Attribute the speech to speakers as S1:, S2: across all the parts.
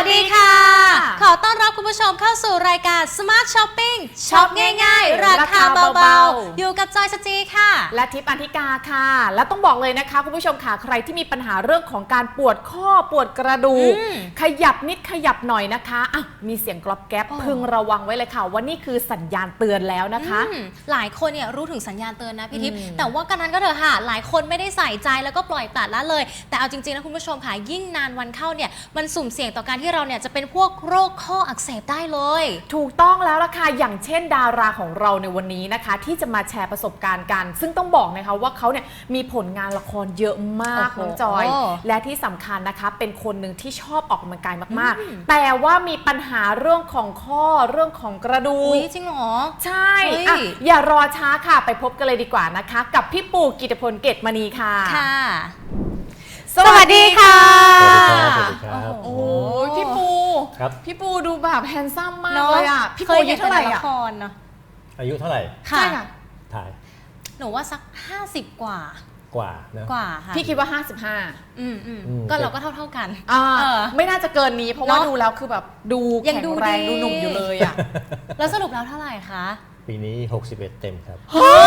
S1: ดีค่ะขอต้อนรับคุณผู้ชมเข้าสู่รายการ Smart Shopping ช็อปง่ายๆราคาเบาๆอยู่กับจอยสจีค่ะ
S2: และทิพย์อันธิกาค่ะและต้องบอกเลยนะคะคุณผู้ชมค่ะใครที่มีปัญหาเรื่องของการปวดข้อปวดกระดูกขยับนิดขยับหน่อยนะคะอ่ะมีเสียงกรอบแก๊บพึงระวังไว้เลยค่ะว่านี่คือสัญญาณเตือนแล้วนะคะ
S1: หลายคนเนี่ยรู้ถึงสัญญาณเตือนนะพี่ทิพย์แต่ว่ากันนั้นก็เถอะค่ะหลายคนไม่ได้ใส่ใจแล้วก็ปล่อยปละละเลยแต่เอาจริงๆนะคุณผู้ชมค่ะยิ่งนานวันเข้าเนี่ยมันสุ่มเสี่ยงต่อการที่เราเนี่ยจะเป็นพวกโรคข้ออักเสบได้เลย
S2: ถูกต้องแล้วล่ะค่ะอย่างเช่นดาราของเราในวันนี้นะคะที่จะมาแชร์ประสบการณ์กันซึ่งต้องบอกนะคะว่าเขาเนี่ยมีผลงานละครเยอะมากน้องจอยและที่สำคัญนะคะเป็นคนหนึ่งที่ชอบออกกำลังกายมากๆแต่ว่ามีปัญหาเรื่องของข้อเรื่องของกระดูก
S1: จริงเหรอ
S2: ใช่อย่ารอช้าค่ะไปพบกันเลยดีกว่านะคะกับพี่ปูกิตติพลเกตมณีค่ะ
S1: สวัสดีค่ะ
S3: สวัสดีครับ
S2: โอ้พี่ปู
S3: ครับ
S2: พี่ปูดูแบบแฮนซัมมากเลยอ่ะพี่ปูอายุเท่าไหร่อ่ะ
S3: อายุเท่าไหร่
S2: ใช่ค่ะ
S3: ถ่าย
S1: หนูว่าสัก50กว่า
S3: นะ
S1: ค่ะ
S2: พี่คิดว่า
S1: 55ก็เราก็เท่ากัน
S2: ไม่น่าจะเกินนี้เพราะว่าดูแล้วคือแบบดูแข็งแรงดูหนุ่มอยู่เลยอ่ะ
S1: แล้วสรุปแล้วเท่าไหร่คะ
S3: ปีนี้61เต็มครับ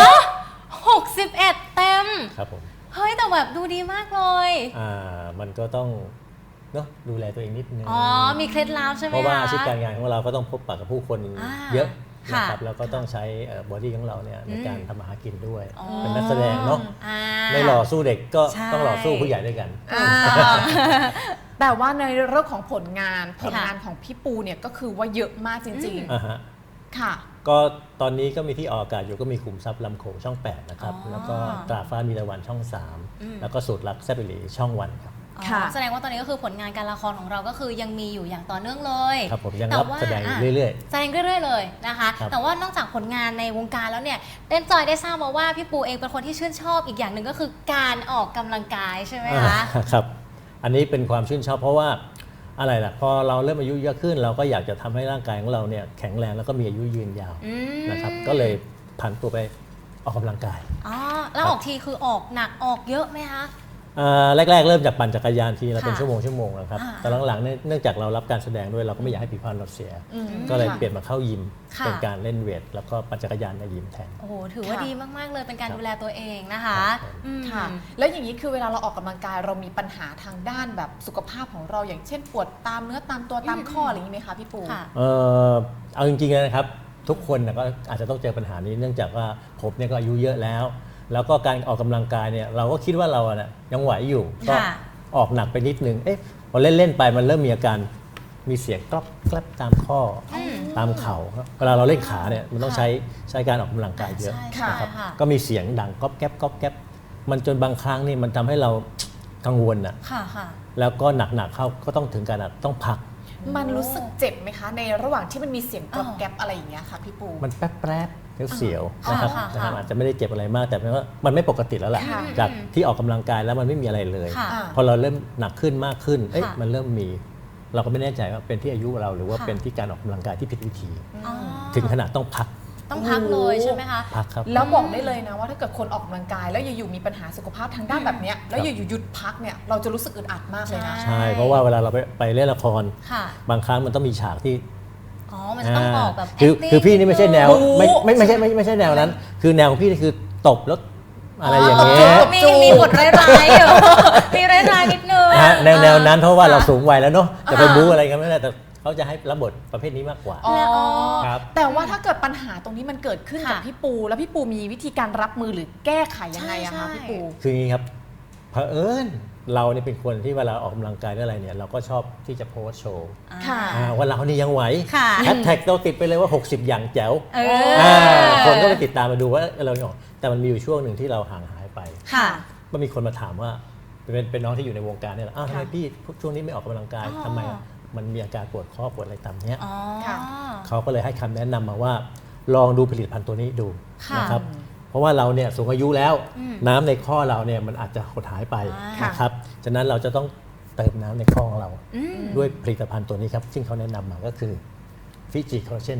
S1: 61เต็ม
S3: ครับผม
S1: เฮ้ยแต่แบบดูดีมากเลย
S3: มันก็ต้องเนาะดูแลตัวเองนิดนึง
S1: มีเคล็ดลับใช่ไหม
S3: เพราะว่าอาชีพการงานของเราก็ต้องพบปะกับผู้คนเยอะนะครับแล้วก็ต้องใช้บอดี้ของเราเนี่ยในการทำอาหารกินด้วยเป็นนักแสดงเนาะไม่หล่อสู้เด็กก็ต้องหล่อสู้ผู้ใหญ่ด้วยกัน
S2: แต่ว่าในเรื่องของผลงานของพี่ปูเนี่ยก็คือว่าเยอะมากจริงๆค่ะ
S3: ก็ตอนนี้ก็มีที่ออกอากาศอยู่ก็มีขุมทรัพย์ลำโขงช่อง8นะครับแล้วก็ตราฟ้ามีตะวันช่อง3แล้วก็สูตรลับแซ่บอิหลีช่องวันครับ
S1: แสดงว่าตอนนี้ก็คือผลงานการละครของเราก็คือยังมีอยู่อย่างต่อเนื่องเลย
S3: ครับผมยังรับแสดงเรื่อย
S1: ๆแสดงเรื่อยๆเลยนะคะแต่ว่านอกจากผลงานในวงการแล้วเนี่ยเต้นจอยได้ทราบมาว่าพี่ปูเองเป็นคนที่ชื่นชอบอีกอย่างหนึ่งก็คือการออกกำลังกายใช่ไหมคะ
S3: ครับอันนี้เป็นความชื่นชอบเพราะว่าอะไรล่ะพอเราเริ่มอายุเยอะขึ้นเราก็อยากจะทำให้ร่างกายของเราเนี่ยแข็งแรงแล้วก็มีอายุยืนยาวนะครับก็เลยผันตัวไปออกกำลังกาย
S1: แล้วออกทีคือออกหนักออกเยอะไหมคะ
S3: แรกๆเริ่มจากปั่นจักรยานทีละเป็นชั่วโมงนะครับแต่หลังๆเนื่องจากเรารับการแสดงด้วยเราก็ไม่อยากให้ผิวพรรณเราเสียก็เลยเปลี่ยนมาเข้ายิมเป็นการเล่นเวทแล้วก็ปั่นจักรยานในยิมแทน
S1: โอ้โหถือว่าดีมากๆเลยเป็นการดูแลตัวเองนะคะ
S2: ค่ะแล้วอย่างนี้คือเวลาเราออกกำลังกายเรามีปัญหาทางด้านแบบสุขภาพของเราอย่างเช่นปวดตามเนื้อตามตัวตามข้ออะไรอย่างนี้ไหมคะพี่ปู
S3: เอาจริงๆนะครับทุกคนก็อาจจะต้องเจอปัญหานี้เนื่องจากว่าผมเนี่ยก็อายุเยอะแล้วก็การออกกำลังกายเนี่ยเราก็คิดว่าเราเนี่ยยังไหวอยู่ก็ออกหนักไปนิดนึงพอเล่นไปมันเริ่มมีอาการมีเสียงกรอบแกรบตามข้อตามเข่าเวลาเราเล่นขาเนี่ยมันต้องใช้การออกกำลังกายเยอะนะครับก็มีเสียงดังก๊อบแก๊บก๊อบแก๊บมันจนบางครั้งนี่มันทำให้เรากังวลนะแล้วก็หนักๆเข้าก็ต้องถึงการต้องพัก
S2: มันรู้สึกเจ็บไหมคะในระหว่างที่มันมีเสียงกรอบแก๊บอะไรอย่างเงี้ยค่ะพี่ปู
S3: มันแป๊บเสียวนะครับอาจจะไม่ได้เจ็บอะไรมากแต่ว่ามันไม่ปกติแล้วแหละจากที่ออกกำลังกายแล้วมันไม่มีอะไรเลยพอเราเริ่มหนักขึ้นมากขึ้นมันเริ่มมีเราก็ไม่แน่ใจว่าเป็นที่อายุเราหรือว่าเป็นที่การออกกำลังกายที่ผิดวิธีถึงขนาดต้องพัก
S1: เลยใช่ไหมคะ
S3: พักครับ
S2: แล้วบอกได้เลยนะว่าถ้าเกิดคนออกกำลังกายแล้วอยู่ๆมีปัญหาสุขภาพทางด้านแบบนี้แล้วอยู่ๆหยุดพักเนี่ยเราจะรู้สึกอึดอัดมากเลยนะ
S3: ใช่เพราะว่าเวลาเราไปเล่นละครบางครั้งมันต้องมีฉากที่
S1: มันจะต้องออกแบบ
S3: คือพี่นี่ไม่ใช่แนวไม่ใช่แนวนั้นคือแนวของพี่นี่คือตบแล้วอะไรอย่างเงี้ย
S1: มีบทร้ายๆอยู่มีร้ายๆนิดนึง
S3: แนวนั้นเพราะว่าเราสูงวัยแล้วเนาะจะไปบู๊อะไรกันไม่ได้แต่เขาจะให้รับบทประเภทนี้มากกว่า
S2: ครับแต่ว่าถ้าเกิดปัญหาตรงนี้มันเกิดขึ้นกับพี่ปูแล้วพี่ปูมีวิธีการรับมือหรือแก้ไขยังไงอะคะพี่ปู
S3: คืออย่างนี้ครับเผอิญเราเนี่ยเป็นคนที่เวลาออกกำลังกายอะไรเนี่ยเราก็ชอบที่จะโพสโชว์ว่าเรานี่ยังไหวแฮชแท็กเราติดไปเลยว่า60อย่างแจ๋วคนก็ไปติดตามมาดูว่าเราเนี่ยแต่มันมีอยู่ช่วงหนึ่งที่เราห่างหายไปก็มีคนมาถามว่าเป็นน้องที่อยู่ในวงการเนี่ยแหละทำไมพี่ช่วงนี้ไม่ออกกำลังกายทำไมมันมีอาการปวดข้อปวดอะไรตามเนี้ยเขาก็เลยให้คำแนะนำมาว่าลองดูผลิตภัณฑ์ตัวนี้ดูนะครับเพราะว่าเราเนี่ยสูงอายุแล้วน้ำในข้อเราเนี่ยมันอาจจะหดหายไปนะครับฉะนั้นเราจะต้องเติมน้ำในข้อของเราด้วยผลิตภัณฑ์ตัวนี้ครับซึ่งเขาแนะนำมาก็คือฟิจิคอลลาเจน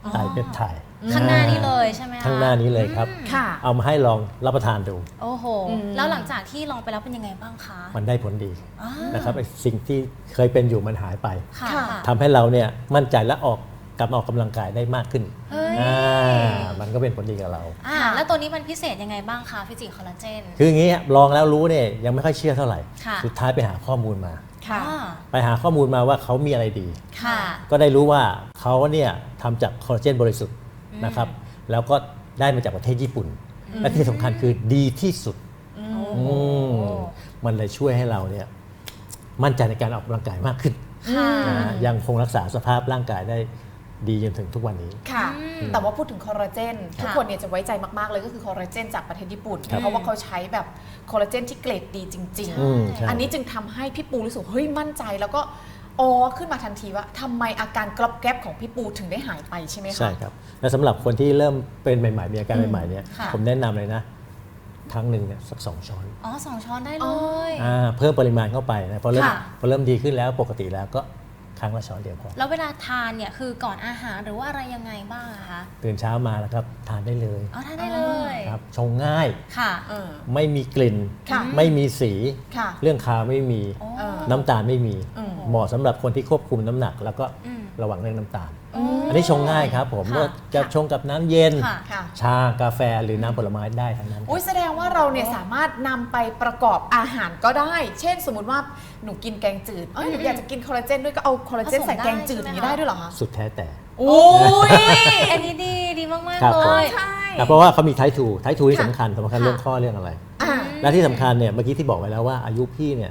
S3: ไตรเปปไทด์
S1: ข้างหน้านี้เลยใช่ไหมคะ
S3: ข้างหน้านี้เลยครับ
S2: ค่ะ
S3: เอามาให้ลองรับประทานดู
S1: โอ้โห แล้วหลังจากที่ลองไปแล้วเป็นยังไงบ้างคะ
S3: มันได้ผลดี
S1: อ่า
S3: นะครับไอ้สิ่งที่เคยเป็นอยู่มันหายไป
S1: ค่ะ
S2: ค่ะ
S3: ทำให้เราเนี่ยมั่นใจและกลับมาออกกำลังกายได้มากขึ้น
S1: เฮ้ย
S3: มันก็เป็นผลดีกับเรา
S1: แล้วตัวนี้มันพิเศษยังไงบ้างคะฟิจิคอลลาเจน
S3: คืออย่างนี้ลองแล้วรู้เนี่ยยังไม่ค่อยเชื่อเท่าไหร่
S1: ค่ะ
S3: สุดท้ายไปหาข้อมูลมา
S2: ค่ะ
S3: ไปหาข้อมูลมาว่าเขามีอะไรดี
S1: ค่ะ
S3: ก็ได้รู้ว่าเขาเนี่ยทำจากคอลลาเจนบริสุทธิ์นะครับแล้วก็ได้มาจากประเทศญี่ปุ่น และที่สำคัญคือดีที่สุด
S1: โอ้โห
S3: มันเลยช่วยให้เราเนี่ยมั่นใจในการออกกำลังกายมากขึ้น
S1: ค่ะ
S3: ยังคงรักษาสภาพร่างกายได้ดีจนถึงทุกวันนี้
S2: ค่ะ แต่ว่าพูดถึงคอลลาเจน
S1: ค่ะ
S2: ทุกคนเนี่ยจะไว้ใจมากๆเลยก็คือคอลลาเจนจากประเทศญี่ปุ่น
S3: ครับ
S2: เพราะว่าเขาใช้แบบคอลลาเจนที่เกรดดีจริง
S3: ใช่
S2: ๆ อันนี้จึงทำให้พี่ปูรู้สึกเฮ้ยมั่นใจแล้วก็ขึ้นมาทันทีว่าทำไมอาการกรอบแกรบของพี่ปูถึงได้หายไปใช่ไหมคะ
S3: ใช่ครับและสำหรับคนที่เริ่มเป็นใหม่ๆมีอาการใหม่ๆเนี่ย
S1: ค่ะ
S3: ผมแนะนำเลยนะครั้งหนึ่งเนี่ยสัก2 ช้อน
S1: อ๋อ2 ช้อนได้เลย
S3: เพิ่มปริมาณเข้าไปนะพอเริ่ม
S1: ค่ะ
S3: ดีขึ้นแล้วปกติแล้วก็ครั้งละช้อนเดียวพอ
S1: แล้วเวลาทานเนี่ยคือก่อนอาหารหรือว่าอะไรยังไงบ้างอะคะ
S3: ตื่นเช้ามาแล้วครับทานได้เลย
S1: อ๋อทานได้เลย
S3: ครับชงง่าย
S1: ค่ะ
S2: เออ
S3: ไม่มีกลิ่น
S2: ค่ะ
S3: ไม่มีสี
S2: ค่ะ
S3: เรื่องคาวไม่มี
S1: โอ้
S3: น้ำตาลไม่มี
S2: อืม
S3: เหมาะสำหรับคนที่ควบคุมน้ำหนัก แล้วก็
S1: อืม
S3: ระวังเรื่องน้ำตาล
S1: อืม
S3: อันนี้ชงง่ายครับผม
S1: ค่ะ
S3: ว่าจะชงกับน้ำเย็น
S1: ค่ะ
S2: ค่ะ
S3: ชากาแฟหรือน้ำผลไม้ได้ทั้งนั้น
S2: อุ้ยแสดงว่าเราเนี่ยสามารถนำไปประกอบอาหารก็ได้ เช่นสมมุติว่าหนูกินแกงจืดหนูอยากจะกินคอลลาเจนด้วยก็เอาคอลลาเจน
S1: ผสม
S2: ใส่แกงจืด
S1: ได้
S2: อย่างนี้
S1: ใช่ไหม
S2: ได้ด้วยเหรอคะ
S3: สุดแท้แต่
S2: โอ้ย
S1: อันนี้ดีมาก
S3: ครับ
S1: ๆ เล
S3: ผม
S1: ย
S2: ใช่
S3: เพราะว่าเขามีไททูที่
S2: ค่ะ
S3: สำคัญ
S1: ค่ะ
S3: เรื่องข้อเรื่องอะไร
S2: อ่า
S3: และที่สำคัญเนี่ยเมื่อกี้ที่บอกไว้แล้วว่าอายุพี่เนี่ย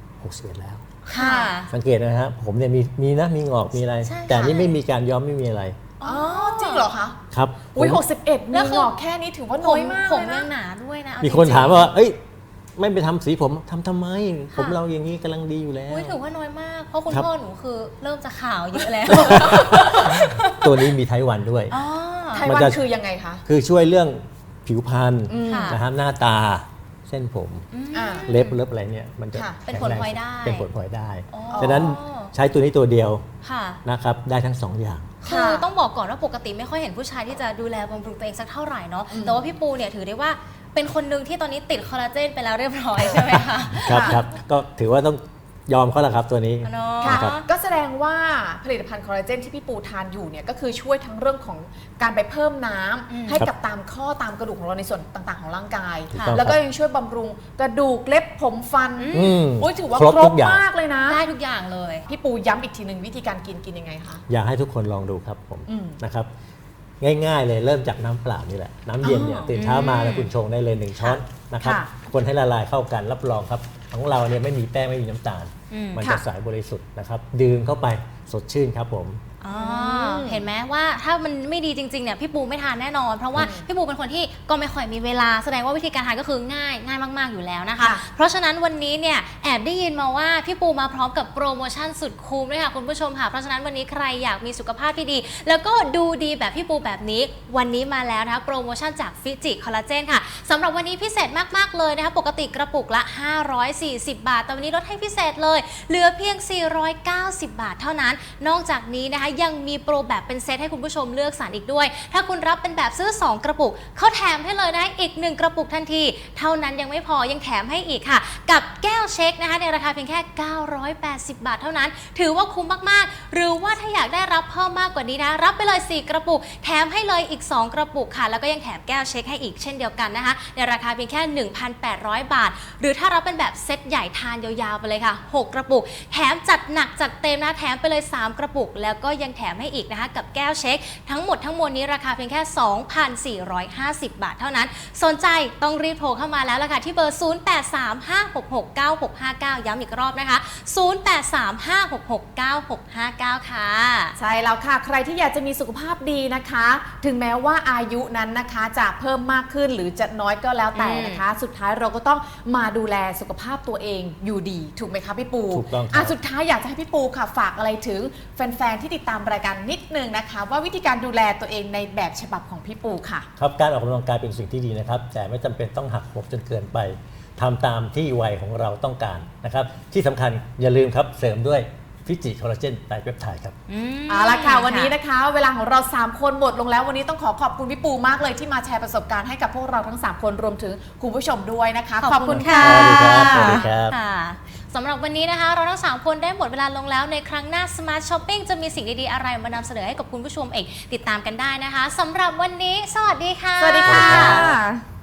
S3: 61แล้ว
S1: ค่ะ
S3: สังเกตนะครับผมเนี่ยมีนะมีงอกมีอะไร
S1: ใช่ค่ะ
S3: แต่นี่ไม่มีการย้อมไม่มีอะไร
S2: อ๋อจริงเหรอคะ
S3: ครับ
S2: อุ้ย
S3: ผม
S2: 61
S1: แล้
S2: มี
S1: วคือ
S2: งอกแค่นี้ถือว่า
S1: ผ
S2: น้อ
S1: ม
S2: ยมาก
S1: ผม
S2: เลย
S1: ยัง
S2: นะ
S1: หนาด้วยนะเอ
S3: มีคน
S1: จริงๆ
S3: ถามว่าเอ้ยไม่ไปทำสีผมทำไม ผมเราอย่างนี้กำลังดีอยู่แล้ว
S1: อุ้ยถือว่าน้อยมาก เพราะคุณ
S3: ครับ
S1: พ่อหนูคือเริ่มจะขาวเยอะแล้ว
S3: ตัวนี้มีไทวันด้วย
S1: อ๋อ
S2: ไทย
S3: มัน
S2: วัน
S3: จะ
S2: คือยังไงคะ
S3: คือช่วยเรื่องผิวพรรณ
S1: ค่ะ
S3: นะฮะหน้าตาเส้นผม
S2: อ่า
S3: เล็บอะไรเนี่ยมันจะ
S2: ค่ะ
S1: เป็นผลพลอยได้
S3: เป็นผลพลอยได้
S1: อ๋อ
S3: ฉะนั้นใช้ตัวนี้ตัวเดียว
S1: ค่ะ
S3: นะครับได้ทั้งสองอย่าง
S1: คือต้องบอกก่อนว่าปกติไม่ค่อยเห็นผู้ชายที่จะดูแลบำรุงตัวเองสักเท่าไหร่เนาะ แต่ว่าพี่ปูเนี่ยถือได้ว่าเป็นคนหนึ่งที่ตอนนี้ติดคอลลาเจนไปแล้วเรียบร้อยใช่ไหมคะ
S3: ครับครับก็ถือว่าต้องยอมเขาละครับตัวนี้
S1: เนาะ
S2: ค่ะ
S3: ครับ
S2: ก็แสดงว่าผลิตภัณฑ์คอลลาเจนที่พี่ปูทานอยู่เนี่ยก็คือช่วยทั้งเรื่องของการไปเพิ่มน้ำให้กับตามข้อตามกระดูกของเราในส่วนต่างๆของร่างกาย
S3: ถูกต้อง
S2: แล้วก็
S3: ครับ
S2: ยังช่วยบำรุงกระดูกเล็บผมฟัน
S3: อืม
S2: โอ้ยถือว่า
S3: ครบ
S2: คร
S3: ทุ
S2: บ
S3: กอย่าง
S2: มากเลยนะ
S1: ได้ทุกอย่างเลย
S2: พี่ปูย้ำอีกทีหนึ่งวิธีการกินยังไงคะ
S3: อยากให้ทุกคนลองดูครับผม
S2: อืม
S3: นะครับง่ายๆเลยเริ่มจากน้ำเปล่านี่แหละ น้ำเย็นเนี่ย
S2: อ๋อ
S3: ตื่นเช้ามาแล้วคุณชงได้เลย1 ช้อนนะครับ
S2: ค่ะ
S3: คนให้ละลายเข้ากันรับรองครับของเราเนี่ยไม่มีแป้งไม่มีน้ำตาล มัน
S2: ค่ะ
S3: จะใสบริสุทธิ์นะครับดื่มเข้าไปสดชื่นครับผม
S1: อ๋อเห็นไหมว่าถ้ามันไม่ดีจริงๆเนี่ยพี่ปูไม่ทานแน่นอน เพราะว่าพี่ปูเป็นคนที่ก็ไม่ค่อยมีเวลาแสดงว่าวิธีการทานก็คือง่ายมากๆอยู่แล้วนะคะ
S2: ค่ะ
S1: เพราะฉะนั้นวันนี้เนี่ยแอบได้ยินมาว่าพี่ปูมาพร้อมกับโปรโมชั่นสุดคุ้มด้วยค่ะคุณผู้ชมค่ะเพราะฉะนั้นวันนี้ใครอยากมีสุขภาพที่ดี แล้วก็ดูดีแบบพี่ปูแบบนี้วันนี้มาแล้วนะคะโปรโมชั่นจากฟิจิคอลลาเจนค่ะสำหรับวันนี้พิเศษมากๆเลยนะคะปกติกระปุกละ540 บาทแต่วันนี้ลดให้พิเศษเลยเหลือเพียง490 บาทเท่านั้นนอกจากนี้นะคะยังมีโปรแบบเป็นเซตให้คุณผู้ชมเลือกสรรอีกด้วย ถ้าคุณรับเป็นแบบซื้อ2 กระปุกเขาแถมให้เลยนะอีก1 กระปุกทันทีเท่านั้นยังไม่พอยังแถมให้อีกค่ะกับแก้วเช็คนะคะในราคาเพียงแค่980 บาทเท่านั้นถือว่าคุ้มมากๆหรือว่าถ้าอยากได้รับเพิ่มมากกว่านี้นะรับไปเลย4 กระปุกแถมให้เลยอีก2 กระปุกค่ะแล้วก็ยังแถมแก้วเช็คให้อีกเช่นเดียวกันนะคะในราคาเพียงแค่ 1,800 บาทหรือถ้ารับเป็นแบบเซตใหญ่ทานยาวๆไปเลยค่ะ6 กระปุกแถมจัดหนักจัดเต็มนะแถมไปเลย3 กระปุกแล้วก็ยังแถมให้อีกนะคะกับแก้วเช็คทั้งหมดทั้งมวลนี้ราคาเพียงแค่ 2,450 บาทเท่านั้นสนใจต้องรีบโทรเข้ามาแล้วล่ะค่ะที่เบอร์ 0835669659 ย้ำอีกรอบนะคะ 0835669659 ค่ะ
S2: ใช่แล้วค่ะใครที่อยากจะมีสุขภาพดีนะคะ ถึงแม้ว่าอายุนั้นนะคะจะเพิ่มมากขึ้นหรือจะน้อยก็แล้วแต่นะคะ สุดท้ายเราก็ต้องมาดูแลสุขภาพตัวเองอยู่ดีถูกไหมคะพี่ปู
S3: ถูกต้องครับ
S2: สุดท้ายอยากจะให้พี่ปูค่ะฝากอะไรถึงแฟนๆที่ติดตามรายการนิดนึงนะคะ ว่าวิธีการดูแลตัวเองในแบบฉบับของพี่ปูค่ะ
S3: ครับการออกกำลังกายเป็นสิ่งที่ดีนะครับ แต่ไม่จำเป็นต้องหักโหมจนเกินไปทำตามที่วัยของเราต้องการนะครับ ที่สำคัญอย่าลืมครับเสริมด้วยฟิจิคอลลาเจนไตรเปปไทด์ครับ
S2: เอาละค่ะวันนี้นะคะเวลาของเรา3คนหมดลงแล้ววันนี้ต้องขอบคุณพี่ปูมากเลยที่มาแชร์ประสบการณ์ให้กับพวกเราทั้ง3คนรวมถึงคุณผู้ชมด้วยนะคะขอบคุณค่ะ
S3: สวัสดีครับสวัสดีครับ
S1: ค่ะสำหรับวันนี้นะคะเราทั้ง3คนได้หมดเวลาลงแล้วในครั้งหน้า Smart Shopping จะมีสิ่งดีๆอะไรมานำเสนอให้กับคุณผู้ชมเองติดตามกันได้นะคะสำหรับวันนี้สวัสดีค่ะ
S2: สวัสดีค่ะ